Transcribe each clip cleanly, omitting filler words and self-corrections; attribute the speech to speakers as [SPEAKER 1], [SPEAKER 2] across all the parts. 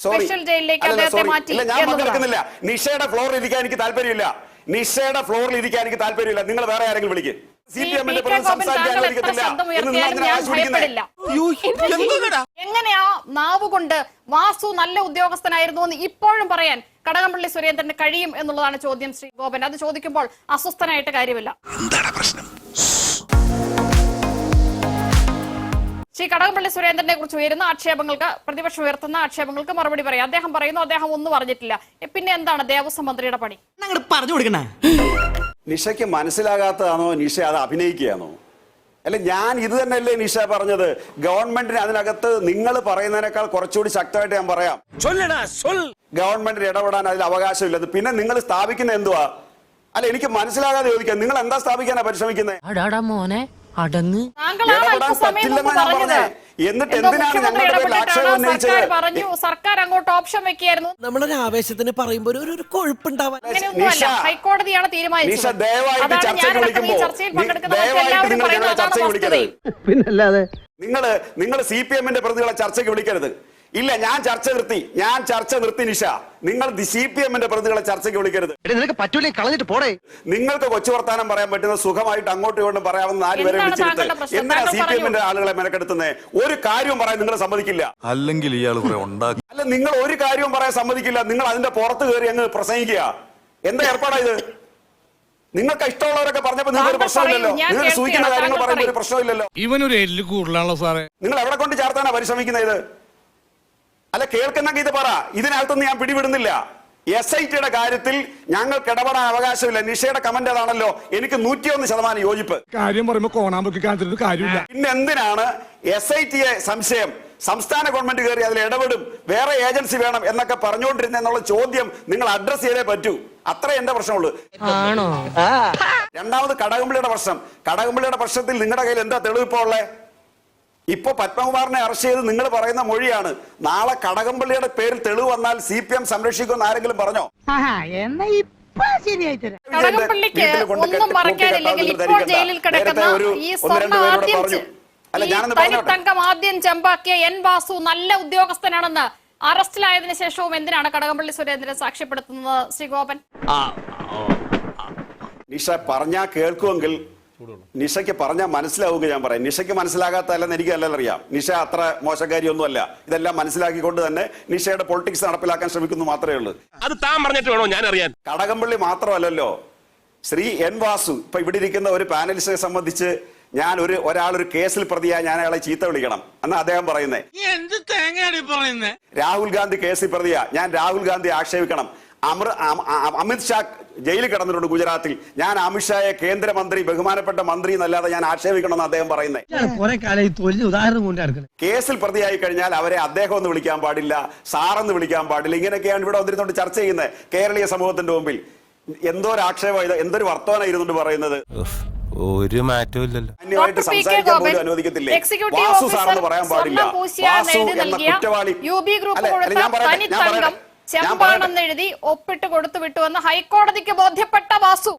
[SPEAKER 1] Special ജയിലിലേക്ക് അദ്ദേഹത്തെ മാറ്റി.
[SPEAKER 2] ഞാൻ പങ്കെടുക്കുന്നില്ല. നിഷയുടെ ഫ്ലോറിൽ ഇരിക്കാൻ എനിക്ക് താല്പര്യമില്ല. നിഷയുടെ ഫ്ലോറിൽ ഇരിക്കാൻ എനിക്ക് താല്പര്യമില്ല. നിങ്ങൾ വേറെ ആരെങ്കിലും വിളിക്കും.
[SPEAKER 1] എങ്ങനെയാ നാവ് കൊണ്ട് വാസു നല്ല ഉദ്യോഗസ്ഥനായിരുന്നു എന്ന് ഇപ്പോഴും പറയാൻ കടകംപള്ളി സുരേന്ദ്രന് കഴിയും എന്നുള്ളതാണ് ചോദ്യം ശ്രീ ഗോപൻ. അത് ചോദിക്കുമ്പോൾ അസ്വസ്ഥനായിട്ട് കാര്യമില്ല. ശ്രീ കടകംപള്ളി സുരേന്ദ്രനെ കുറിച്ച് ഉയരുന്ന ആക്ഷേപങ്ങൾക്ക്, പ്രതിപക്ഷം ഉയർത്തുന്ന ആക്ഷേപങ്ങൾക്ക് മറുപടി പറയാം. അദ്ദേഹം പറയുന്നു അദ്ദേഹം ഒന്നും പറഞ്ഞിട്ടില്ല. പിന്നെ എന്താണ് ദേവസ്വം മന്ത്രിയുടെ പണി?
[SPEAKER 3] പറഞ്ഞു കൊടുക്കണ
[SPEAKER 2] നിഷയ്ക്ക് മനസ്സിലാകാത്തതാണോ നിഷ അത് അഭിനയിക്കുകയാണോ? അല്ല, ഞാൻ ഇത് തന്നെയല്ലേ നിഷ പറഞ്ഞത്. ഗവൺമെന്റിന് അതിനകത്ത് നിങ്ങൾ പറയുന്നതിനേക്കാൾ കുറച്ചുകൂടി ശക്തമായിട്ട് ഞാൻ പറയാം. ഗവൺമെന്റിന് ഇടപെടാൻ അതിൽ അവകാശമില്ലെന്ന്. പിന്നെ നിങ്ങൾ സ്ഥാപിക്കുന്ന എന്തുവാ? അല്ല, എനിക്ക് മനസ്സിലാകാതെ ചോദിക്കാം, നിങ്ങൾ എന്താ സ്ഥാപിക്കാനാ പരിശ്രമിക്കുന്നത്? എന്നിട്ട് എന്തിനാണ് ഞങ്ങളുടെ ആക്ഷേപം ഉന്നയിച്ചത്?
[SPEAKER 1] പറഞ്ഞു സർക്കാർ അങ്ങോട്ട് ഓപ്ഷൻ വെക്കുകയായിരുന്നു.
[SPEAKER 3] നമ്മളൊരു ആവേശത്തിന് പറയുമ്പോൾ ഒരു കൊഴുപ്പുണ്ടാവാൻ
[SPEAKER 1] ഹൈക്കോടതിയാണ് തീരുമാനിച്ചത്.
[SPEAKER 2] ദയവായിട്ട് ചർച്ചയ്ക്ക് വിളിക്കരുത്.
[SPEAKER 4] പിന്നല്ലാതെ
[SPEAKER 2] നിങ്ങൾ CPM-ന്റെ പ്രതികളെ ചർച്ചയ്ക്ക് വിളിക്കരുത്. ഇല്ല, ഞാൻ ചർച്ച നിർത്തി നിഷ. നിങ്ങൾ CPM-ന്റെ പ്രതികളെ ചർച്ചയ്ക്ക് വിളിക്കരുത്.
[SPEAKER 4] നിനക്ക് പറ്റൂലേ, കളഞ്ഞിട്ട് പോടേ.
[SPEAKER 2] നിങ്ങൾക്ക് കൊച്ചു വർത്താനം പറയാൻ പറ്റുന്ന സുഖമായിട്ട് അങ്ങോട്ടും ഇങ്ങോട്ടും പറയാവുന്ന 4 പേരെ വിളിച്ചെടുത്ത് എന്തിനാ CPM-ന്റെ ആളുകളെ മെനക്കെടുത്തുന്നത്? ഒരു കാര്യവും പറയാൻ നിങ്ങൾ സമ്മതിക്കില്ല.
[SPEAKER 5] അല്ലെങ്കിൽ ഇയാൾ
[SPEAKER 2] അല്ല, നിങ്ങൾ ഒരു കാര്യവും പറയാൻ സമ്മതിക്കില്ല. നിങ്ങൾ അതിന്റെ പുറത്ത് കയറി അങ്ങ് പ്രസംഗിക്കുക. എന്താ ഏർപ്പാടാ ഇത്? നിങ്ങൾക്ക് ഇഷ്ടമുള്ളവരൊക്കെ പറഞ്ഞപ്പോ നിങ്ങൾക്ക് ഒരു പ്രശ്നമില്ലല്ലോ. നിങ്ങൾ സൂചിക്കുന്ന കാര്യങ്ങൾ പറയുമ്പോൾ ഒരു പ്രശ്നമില്ലല്ലോ.
[SPEAKER 6] ഇവനൊരു എല്ല് കൂടുതലാണല്ലോ സാറേ.
[SPEAKER 2] നിങ്ങൾ എവിടെ കൊണ്ട് ചേർത്താനാ പരിശ്രമിക്കുന്നത് ഇത്? അല്ല, കേൾക്കുന്നെങ്കിൽ ഇത് പറ. ഇതിനകത്തൊന്നും ഞാൻ പിടിവിടുന്നില്ല. SIT-യുടെ കാര്യത്തിൽ ഞങ്ങൾക്ക് ഇടപെടാൻ അവകാശമില്ല. നിഷയുടെ കമന്റ് അതാണല്ലോ. എനിക്ക് 101% യോജിപ്പ്.
[SPEAKER 6] കാര്യം പറയുമ്പോൾ കോണാമ്പൊക്കെ കാണിച്ചിട്ട് കാര്യമില്ല.
[SPEAKER 2] പിന്നെ എന്തിനാണ് SIT-യെ സംശയം? സംസ്ഥാന ഗവൺമെന്റ് കയറി അതിൽ ഇടപെടും, വേറെ ഏജൻസി വേണം എന്നൊക്കെ പറഞ്ഞുകൊണ്ടിരുന്ന എന്നുള്ള ചോദ്യം നിങ്ങൾ അഡ്രസ് ചെയ്തേ പറ്റൂ. അത്രേ എന്റെ പ്രശ്നമുള്ളൂ. രണ്ടാമത് കടകംപള്ളിയുടെ പ്രശ്നം. കടകംപള്ളിയുടെ പ്രശ്നത്തിൽ നിങ്ങളുടെ കയ്യിൽ എന്താ തെളിവിപ്പോ ഉള്ളേ? ഇപ്പൊ പത്മകുമാറിനെ അറസ്റ്റ് ചെയ്ത് നിങ്ങൾ പറയുന്ന മൊഴിയാണ്. നാളെ കടകംപള്ളിയുടെ പേരിൽ തെളിവ് വന്നാൽ CPM സംരക്ഷിക്കുമെന്ന് ആരെങ്കിലും പറഞ്ഞോ?
[SPEAKER 1] കടകംപള്ളിക്ക് ഒന്നും മറക്കാനില്ലെങ്കിൽ ഇപ്പോൾ ജയിലിൽ കിടക്കുന്ന ഈ തനിത്തങ്കം ആദ്യം ചെമ്പാക്കിയ N വാസു നല്ല ഉദ്യോഗസ്ഥനാണെന്ന് അറസ്റ്റിലായതിനു ശേഷവും എന്തിനാണ് കടകംപള്ളി സുരേന്ദ്രൻ സാക്ഷ്യപ്പെടുത്തുന്നത് ശ്രീ ഗോപൻ?
[SPEAKER 2] നിഷ പറഞ്ഞാ കേൾക്കുമെങ്കിൽ നിഷയ്ക്ക് പറഞ്ഞാൽ മനസ്സിലാവുക. ഞാൻ പറയാം, നിഷയ്ക്ക് മനസ്സിലാകാത്തല്ലെന്ന് എനിക്ക് നല്ല അറിയാം. നിഷ അത്ര മോശക്കാരിയൊന്നുമല്ല. ഇതെല്ലാം മനസ്സിലാക്കിക്കൊണ്ട് തന്നെ നിഷയുടെ പൊളിറ്റിക്സ് നടപ്പിലാക്കാൻ ശ്രമിക്കുന്നു മാത്രമേ ഉള്ളൂ.
[SPEAKER 7] അത് താൻ പറഞ്ഞിട്ട് വേണോ ഞാൻ അറിയാൻ?
[SPEAKER 2] കടകംപള്ളി മാത്രമല്ലല്ലോ, ശ്രീ N വാസു. ഇപ്പൊ ഇവിടെ ഇരിക്കുന്ന ഒരു പാനലിസ്റ്റിനെ സംബന്ധിച്ച് ഞാൻ ഒരാളൊരു കേസിൽ പ്രതിയാ ഞാൻ അയാളെ ചീത്ത വിളിക്കണം എന്നാ അദ്ദേഹം പറയുന്നേ. രാഹുൽ ഗാന്ധി കേസിൽ പ്രതിയാ, ഞാൻ രാഹുൽ ഗാന്ധി ആക്ഷേപിക്കണം. അമിത് ഷാ ജയിലിൽ കിടന്നിട്ടുണ്ട് ഗുജറാത്തിൽ. ഞാൻ അമിത്ഷായെ കേന്ദ്രമന്ത്രി, ബഹുമാനപ്പെട്ട മന്ത്രി എന്നല്ലാതെ ഞാൻ ആക്ഷേപിക്കണമെന്ന് അദ്ദേഹം പറയുന്നത്. കേസിൽ പ്രതിയായി കഴിഞ്ഞാൽ അവരെ അദ്ദേഹം എന്ന് വിളിക്കാൻ പാടില്ല, സാറെന്ന് വിളിക്കാൻ പാടില്ല. ഇങ്ങനെയൊക്കെയാണ് ഇവിടെ വന്നിരുന്നോണ്ട് ചർച്ച ചെയ്യുന്നത് കേരളീയ സമൂഹത്തിന്റെ മുമ്പിൽ. എന്തോരു ആക്ഷേപം ഇത്, എന്തൊരു വർത്തമാനം ഇരുന്നുകൊണ്ട് പറയുന്നത്.
[SPEAKER 5] ഒരു മാറ്റവും ഇല്ലല്ലോ.
[SPEAKER 2] അന്യമായിട്ട് സംസാരിക്കാൻ പോലും അനുവദിക്കത്തില്ലേ? വാസു സാറെന്ന് പറയാൻ പാടില്ല. വാസു എന്ന കുറ്റവാളി.
[SPEAKER 1] ചെമ്പാണെന്നെഴുതി ഒപ്പിട്ട് കൊടുത്തു വിട്ടുവെന്ന് ഹൈക്കോടതിക്ക് ബോധ്യപ്പെട്ട വാസു,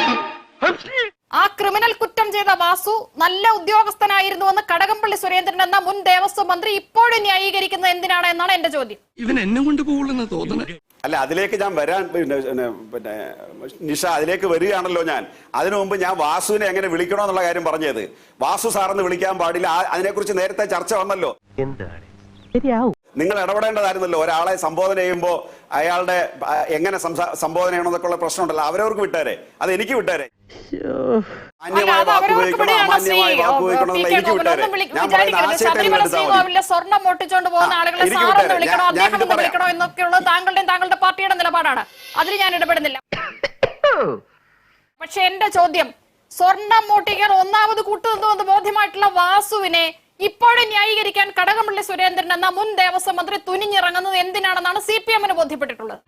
[SPEAKER 1] ആ ക്രിമിനൽ കുറ്റം ചെയ്ത വാസു നല്ല ഉദ്യോഗസ്ഥനായിരുന്നുവെന്ന് കടകംപള്ളി സുരേന്ദ്രൻ എന്ന മുൻ ദേവസ്വം മന്ത്രി ഇപ്പോഴും ന്യായീകരിക്കുന്നത് എന്തിനാണ് എന്നാണ് എന്റെ ചോദ്യം.
[SPEAKER 6] ഇവൻ എന്നെ കൊണ്ട് പോകുന്ന തോന്നുന്നത്.
[SPEAKER 2] അല്ല, അതിലേക്ക് ഞാൻ വരാൻ പിന്നെ നിഷ അതിലേക്ക് വരികയാണല്ലോ. ഞാൻ അതിനു മുമ്പ് ഞാൻ വാസുവിനെ എങ്ങനെ വിളിക്കണോന്നുള്ള കാര്യം പറഞ്ഞത്. വാസു സാറെന്ന് വിളിക്കാൻ പാടില്ല, അതിനെക്കുറിച്ച് നേരത്തെ ചർച്ച വന്നല്ലോ. നിങ്ങൾ ഇടപെടേണ്ടതായിരുന്നല്ലോ. ഒരാളെ സംബോധന ചെയ്യുമ്പോൾ അയാളുടെ എങ്ങനെ സംബോധന ചെയ്യണമെന്നൊക്കെ ഉള്ള പ്രശ്നമുണ്ടല്ലോ. അവരവർക്ക് വിട്ടേരെ, അത് എനിക്ക് വിട്ടേരെ. മാന്യമായ വാക്ക് ഉപയോഗിക്കണം, അമാന്യമായ വാക്ക് ഉപയോഗിക്കണം എന്നുള്ള എനിക്ക് വിട്ടേരെ. ഞാൻ പറയുന്ന ആശയത്തെ
[SPEAKER 1] സ്വർണം പൊട്ടിച്ചോണ്ട് പോകുന്ന ആളുകളെ സാറെന്ന് വിളിക്കണോ, അദ്ദേഹം എന്ന് വിളിക്കണോ എന്നൊക്കെയുള്ളത് താങ്കളുടെ പാർട്ടിയുടെ നിലപാടാണ്. അതിൽ ഞാൻ ഇടപെടുന്നില്ല. പക്ഷെ എന്റെ ചോദ്യം, സ്വർണം മോട്ടിക്കാൻ ഒന്നാമത് കൂട്ടുനിന്നുവെന്ന് ബോധ്യമായിട്ടുള്ള വാസുവിനെ ഇപ്പോഴും ന്യായീകരിക്കാൻ കടകംപള്ളി സുരേന്ദ്രൻ എന്ന മുൻ ദേവസ്വം മന്ത്രി തുനിഞ്ഞിറങ്ങുന്നത് എന്തിനാണെന്നാണ് CPM-ന് ബോധ്യപ്പെട്ടിട്ടുള്ളത്.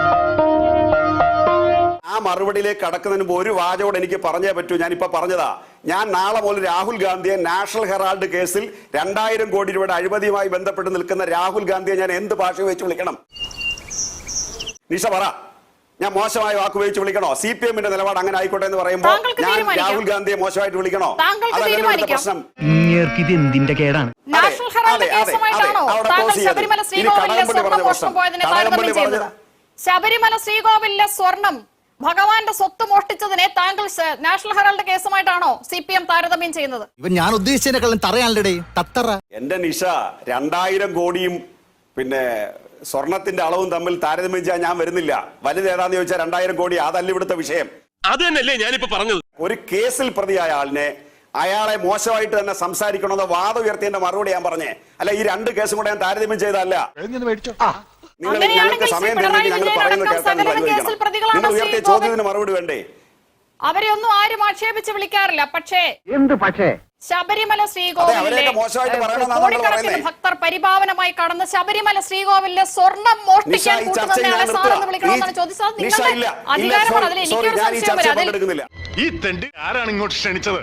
[SPEAKER 2] ആ മറുപടിയിലേക്ക് കടക്കുന്നതിന് മുമ്പ് ഒരു വാചകോട് എനിക്ക് പറഞ്ഞേ പറ്റൂ. ഞാനിപ്പോ പറഞ്ഞതാ. ഞാൻ നാളെ മുതൽ രാഹുൽ ഗാന്ധിയെ നാഷണൽ ഹെറാൾഡ് കേസിൽ 2000 കോടി രൂപയുടെ അഴിമതിയുമായി ബന്ധപ്പെട്ട് നിൽക്കുന്ന രാഹുൽ ഗാന്ധിയെ ഞാൻ എന്ത് ഭാഷ വെച്ച് വിളിക്കണം? നിഷ പറ. ഞാൻ മോശമായ വാക്ക് ഉപയോഗിച്ച് വിളിക്കണോ? CPM നിലപാട് അങ്ങനെ ആയിക്കോട്ടെ എന്ന് പറയുമ്പോൾ
[SPEAKER 1] താങ്കൾക്ക്
[SPEAKER 2] ഞാൻ
[SPEAKER 1] തീരുമാനിക്കാം.
[SPEAKER 2] രാഹുൽ ഗാന്ധിയെ മോശമായിട്ട് വിളിക്കണോ?
[SPEAKER 1] താങ്കൾക്ക്
[SPEAKER 2] അതല്ല ഇവിടുത്തെ
[SPEAKER 1] തീരുമാനിക്കാം.
[SPEAKER 2] പ്രശ്നം.
[SPEAKER 4] ഇത് എന്തിന്റെ കേടാണ്?
[SPEAKER 1] നാഷണൽ ഹെറാൾഡ് കേസുമായിട്ടാണോ
[SPEAKER 2] അവിടെ
[SPEAKER 1] താങ്കൾ
[SPEAKER 2] pause ചെയ്യരുത്.
[SPEAKER 1] ശബരിമല
[SPEAKER 2] ഇനി
[SPEAKER 1] ശ്രീകോവിലിലെ
[SPEAKER 2] കടകംപള്ളി
[SPEAKER 1] സ്വർണം
[SPEAKER 2] പറഞ്ഞ
[SPEAKER 1] മോഷണം
[SPEAKER 2] പ്രശ്നം.
[SPEAKER 1] പോയതിനെ
[SPEAKER 2] കടകംപള്ളി
[SPEAKER 1] താരതമ്യം ചെയ്തത്? ശബരിമല ശ്രീകോവിലിലെ സ്വർണം ഭഗവാന്റെ സ്വത്ത് മോഷ്ടിച്ചതിനെ താങ്കൾ നാഷണൽ ഹെറാൾഡ് കേസുമായിട്ടാണോ CPM താരതമ്യം ചെയ്യുന്നത്?
[SPEAKER 3] ഇവൻ ഞാൻ ഉദ്ദേശിച്ചതിനെക്കാളും തറയാണല്ലേ തത്തറ.
[SPEAKER 2] എന്റെ നിഷ 2000 കോടിയും പിന്നെ സ്വർണത്തിന്റെ അളവും തമ്മിൽ താരതമ്യം ചെയ്യാൻ ഞാൻ വരുന്നില്ല. വലുതേതാന്ന് ചോദിച്ചാൽ 2000 കോടി. അതല്ല ഇവിടുത്തെ വിഷയം.
[SPEAKER 7] അത് തന്നെയല്ലേ ഞാനിപ്പോ പറഞ്ഞത്.
[SPEAKER 2] ഒരു കേസിൽ പ്രതിയായ ആളിനെ അയാളെ മോശമായിട്ട് തന്നെ സംസാരിക്കണമെന്ന് വാദം ഉയർത്തിയതിന്റെ മറുപടി ഞാൻ പറഞ്ഞേ. അല്ല, ഈ 2 കേസും കൂടെ ഞാൻ താരതമ്യം ചെയ്തതല്ല. നിങ്ങൾ ഞങ്ങൾക്ക് സമയം തരുന്നെങ്കിൽ ഞങ്ങൾ പറയുന്നത് കേൾക്കാൻ നിങ്ങൾ അനുവദിക്കണം. നിങ്ങൾ ഉയർത്തിയ ചോദ്യത്തിന് മറുപടി വേണ്ടേ?
[SPEAKER 1] അവരെ ഒന്നും ആരും ആക്ഷേപിച്ച് വിളിക്കാറില്ല. പക്ഷേ
[SPEAKER 4] എന്ത് പക്ഷേ?
[SPEAKER 1] ശബരിമല ശ്രീകോവിലിലെ
[SPEAKER 2] അവരെയൊക്കെ മോശമായിട്ട് പറയണമെന്നാണ് നമ്മൾ
[SPEAKER 1] കോടിക്കണക്കിന്
[SPEAKER 2] പറയുന്നത്.
[SPEAKER 1] ഭക്തർ പരിപാവനമായി കടന്ന് ശബരിമല ശ്രീകോവിലിലെ സ്വർണം മോഷ്ടിക്കാൻ
[SPEAKER 2] ഈ ചർച്ച ഞാൻ
[SPEAKER 1] കൂട്ടുന്നയാളെ സാറെന്ന് വിളിക്കണമെന്നാണ് ചോദിച്ചത്. നിങ്ങളുടെ അധികാരമാണ്. അതിൽ എനിക്കൊരു സംശയം വരാം. അതിൽ
[SPEAKER 7] ഈ തെണ്ടി ആരാണ് ഇങ്ങോട്ട് ക്ഷണിച്ചത്?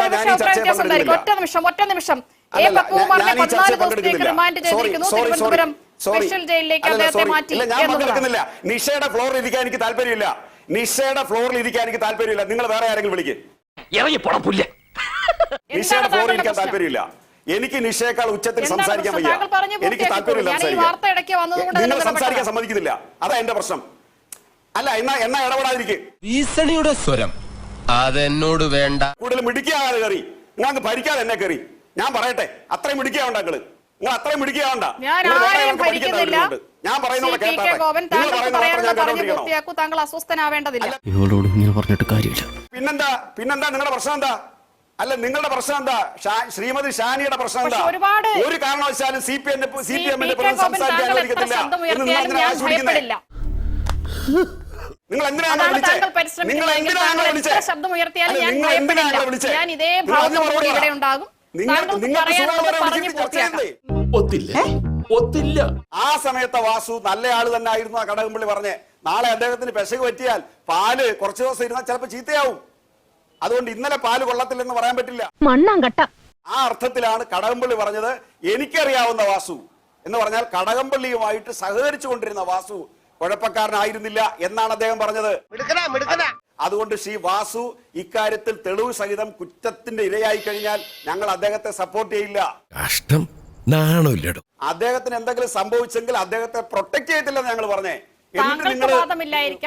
[SPEAKER 1] ഒറ്റ നിമിഷം എ പപ്പുകുമാറിനെ 14 ദിവസത്തേക്ക് റിമാൻഡ് ചെയ്തിരിക്കുന്നു. തിരുവനന്തപുരം സ്പെഷ്യൽ ജയിലിലേക്ക് അദ്ദേഹത്തെ മാറ്റി
[SPEAKER 2] എന്നുള്ളതാണ്. നിഷയുടെ ഫ്ലോറിൽ ഇരിക്കാൻ എനിക്ക് താല്പര്യമില്ല. നിഷയുടെ ഫ്ലോറിൽ ഇരിക്കാൻ എനിക്ക് താല്പര്യമില്ല. നിങ്ങൾ വേറെ ആരെങ്കിലും വിളിക്കും.
[SPEAKER 7] ഇറങ്ങി പുറപ്പില്ല.
[SPEAKER 2] നിഷയുടെ ഫ്ലോറിൽ ഇരിക്കാൻ താല്പര്യമില്ല. എനിക്ക് നിഷയേക്കാൾ ഉച്ചത്തിൽ സംസാരിക്കാൻ വയ്യ. എനിക്ക് താല്പര്യമില്ല സംസാരിക്കാൻ. നിങ്ങൾ സംസാരിക്കാൻ സമ്മതിക്കുന്നില്ല. അതാ എന്റെ പ്രശ്നം. അല്ല, എന്നാ ഇടപെടാതിരിക്കും.
[SPEAKER 5] ഭീഷണിയുടെ സ്വരം അതെന്നോട് വേണ്ട.
[SPEAKER 2] കൂടുതൽ മിടിക്കാതെ കയറി നിങ്ങൾക്ക് ഭരിക്കാതെ എന്നെ കയറി. ഞാൻ പറയട്ടെ, അത്രയും മിടിക്കാവണ്ട നിങ്ങൾ. നിങ്ങൾ അത്രയും മിടിക്കാവണ്ട. ഞാൻ പറയുന്നത്
[SPEAKER 1] താങ്കൾ അസ്വസ്ഥനാവേണ്ടതില്ല.
[SPEAKER 3] ഇവളോട് ഇങ്ങനെ പറഞ്ഞിട്ട് കാര്യമില്ല.
[SPEAKER 2] പിന്നെന്താ നിങ്ങളുടെ പ്രശ്നം എന്താ? അല്ല, നിങ്ങളുടെ പ്രശ്നം എന്താ? ശ്രീമതി ഷാനിയുടെ പ്രശ്നം എന്താ? ഒരു കാരണവശാലും CPM സംസാരിക്കാൻ അനുവദിക്കത്തില്ല എന്ന് നിങ്ങൾ എന്തിനാണ് ആവശ്യപ്പെടുന്നത്? നിങ്ങൾ എന്തിനാണ് വിളിച്ചത്? നിങ്ങൾ എന്തിനാണ് വിളിച്ചത്?
[SPEAKER 1] ശബ്ദം ഉയർത്തിയാലും ഞാൻ ഭയപ്പെടില്ല. ഞാൻ ഇതേ ഭാവത്തോടെ ഇവിടെ ഉണ്ടാകും.
[SPEAKER 2] ആ സമയത്തെ വാസു നല്ല ആള് തന്നെ ആയിരുന്നു. ആ കടകംപള്ളി പറഞ്ഞേ, നാളെ അദ്ദേഹത്തിന് പെശക് പറ്റിയാൽ പാല് കുറച്ചു ദിവസം ഇരുന്നാൽ ചിലപ്പോൾ ചീത്തയാവും. അതുകൊണ്ട് ഇന്നലെ പാല് കൊള്ളത്തില്ലെന്ന് പറയാൻ പറ്റില്ല. ആ അർത്ഥത്തിലാണ് കടകംപള്ളി പറഞ്ഞത്. എനിക്കറിയാവുന്ന വാസു എന്ന് പറഞ്ഞാൽ കടകംപള്ളിയുമായിട്ട് സഹകരിച്ചു കൊണ്ടിരുന്ന വാസു കുഴപ്പക്കാരനായിരുന്നില്ല എന്നാണ് അദ്ദേഹം പറഞ്ഞത്. അതുകൊണ്ട് ശ്രീ വാസു ഇക്കാര്യത്തിൽ തെളിവ് സഹിതം കുറ്റത്തിന്റെ ഇരയായി കഴിഞ്ഞാൽ ഞങ്ങൾ അദ്ദേഹത്തെ സപ്പോർട്ട് ചെയ്യില്ല.
[SPEAKER 5] കഷ്ടം, നാണമില്ലടോ.
[SPEAKER 2] അദ്ദേഹത്തിന് എന്തെങ്കിലും സംഭവിച്ചെങ്കിൽ അദ്ദേഹത്തെ പ്രൊട്ടക്ട് ചെയ്യത്തില്ലെന്ന് ഞങ്ങൾ പറഞ്ഞേ.
[SPEAKER 1] താങ്കൾക്ക് വാദമില്ലായിരിക്കാം.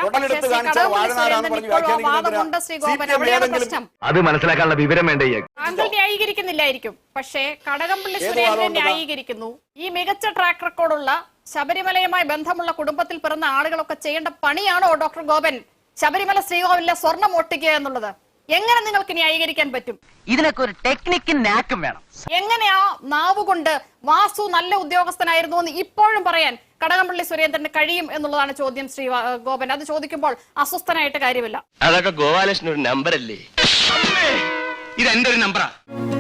[SPEAKER 4] അത് മനസ്സിലാക്കാനുള്ള വിവരം വേണ്ടേ?
[SPEAKER 1] താങ്കൾ ന്യായീകരിക്കുന്നില്ലായിരിക്കും. പക്ഷേ കടകംപള്ളി സുരേന്ദ്രൻ ന്യായീകരിക്കുന്നു. ഈ മികച്ച ട്രാക്ക് റെക്കോർഡുള്ള ശബരിമലയുമായി ബന്ധമുള്ള കുടുംബത്തിൽ പിറന്ന ആളുകളൊക്കെ ചെയ്യേണ്ട പണിയാണോ ഡോക്ടർ ഗോപൻ ശബരിമല ശ്രീകോവിലിലെ സ്വർണം ഒട്ടിക്കുക എന്നുള്ളത്? എങ്ങനെ നിങ്ങൾക്ക് ന്യായീകരിക്കാൻ പറ്റും?
[SPEAKER 8] ഇതിനൊക്കെ ഒരു ടെക്നിക്കും നാക്കും വേണം.
[SPEAKER 1] എങ്ങനെയാ നാവുകൊണ്ട് വാസു നല്ല ഉദ്യോഗസ്ഥനായിരുന്നു എന്ന് ഇപ്പോഴും പറയാൻ കടകംപള്ളി സുരേന്ദ്രന് കഴിയും എന്നുള്ളതാണ് ചോദ്യം ശ്രീ ഗോപൻ. അത് ചോദിക്കുമ്പോൾ അസ്വസ്ഥനായിട്ട് കാര്യമില്ല.
[SPEAKER 7] അതൊക്കെ ഗോപാലകൃഷ്ണൻ ഒരു നമ്പർ അല്ലേ?
[SPEAKER 4] ഇത് എന്റെ ഒരു നമ്പറാ.